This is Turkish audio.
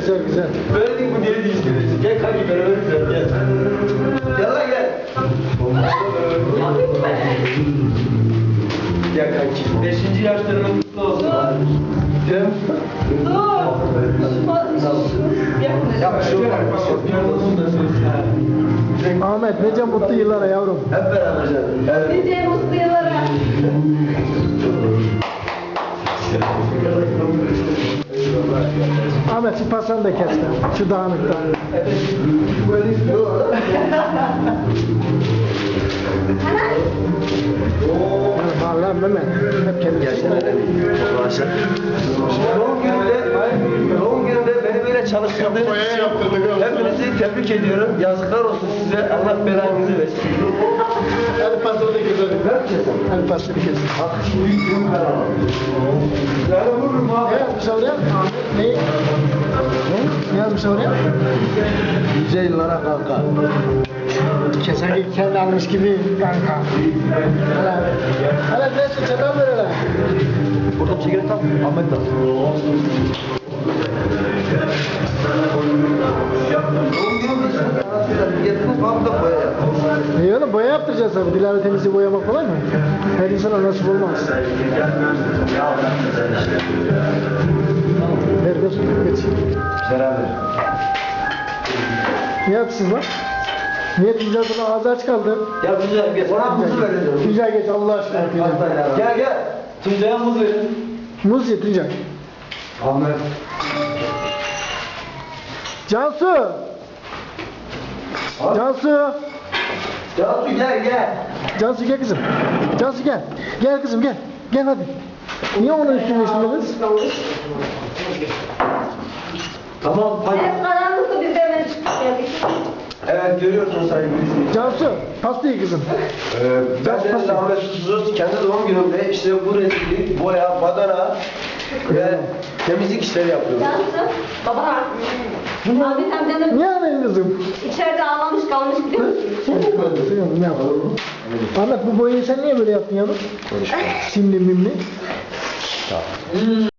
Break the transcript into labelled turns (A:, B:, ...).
A: güzel güzel.
B: Böyle değil bu deli değil. Gel kanki beraber güzel gel. Gel lan gel. Gel kanki. 5. yaşlarının kutlu olsun. Cem. Ya şu
A: Ahmet nice mutlu yıllara yavrum.
B: hep beraber canım. Evet.
C: Nice mutlu yıllara.
A: Ahmet şu pasanı da kes lan. Şu dağınıkta. Vallahi Mehmet. Hep kendi
B: Doğum gününde beni böyle çalıştırdığınız için hepinizi tebrik ediyorum. Yazıklar olsun size. Allah belanızı versin.
A: Hadi pasanı da keselim.
B: Ne yapacaksın?
A: Hadi pasanı kesin.
B: Yani vururum abi.
A: Ne yapmış oraya? Ne? Ne yapmış oraya?
B: Nice yıllara kanka.
A: Kesen kendi almış gibi kanka. Hele neyse çatal ver hele.
B: Burada çekirdek tam. Ahmet tam. Getiriniz bana da boya yapın.
A: İyi oğlum boya yaptıracağız tabii. Dilara temizliği boyamak kolay mı? Her insana nasip olmaz. Ver ver. Geç.
B: Beraber.
A: Ne yapsın lan? Niye Tuncay'ın ağzı aç kaldı?
B: Ya Tuncay geç. Bana muzu verin.
A: Tuncay geç Allah aşkına.
B: Gel gel. Tuncay'a muz verin.
A: Muz ye Tuncay.
B: Ahmet.
A: Cansu! Cansu!
B: Cansu gel gel.
A: Cansu gel kızım. Cansu gel. Gel kızım gel. Gel hadi. Niye onun üstüne kız?
B: Tamam hadi.
C: Evet, karanlıkta biz de hemen çıktık geldik.
B: Evet görüyorsunuz sayın Gülsün.
A: Cansu pastayı kızım.
B: Ben de Ahmet Susuz kendi doğum günümde işte bu resimli boya, badana ve temizlik işleri yapıyorum.
C: Cansu, baba. Ahmet amcanın
A: Niye ağlayın kızım?
C: içeride ağlamış kalmış biliyor musun?
A: Ne yapalım? Ahmet bu boyayı sen niye böyle yaptın yavrum? Simli mimli.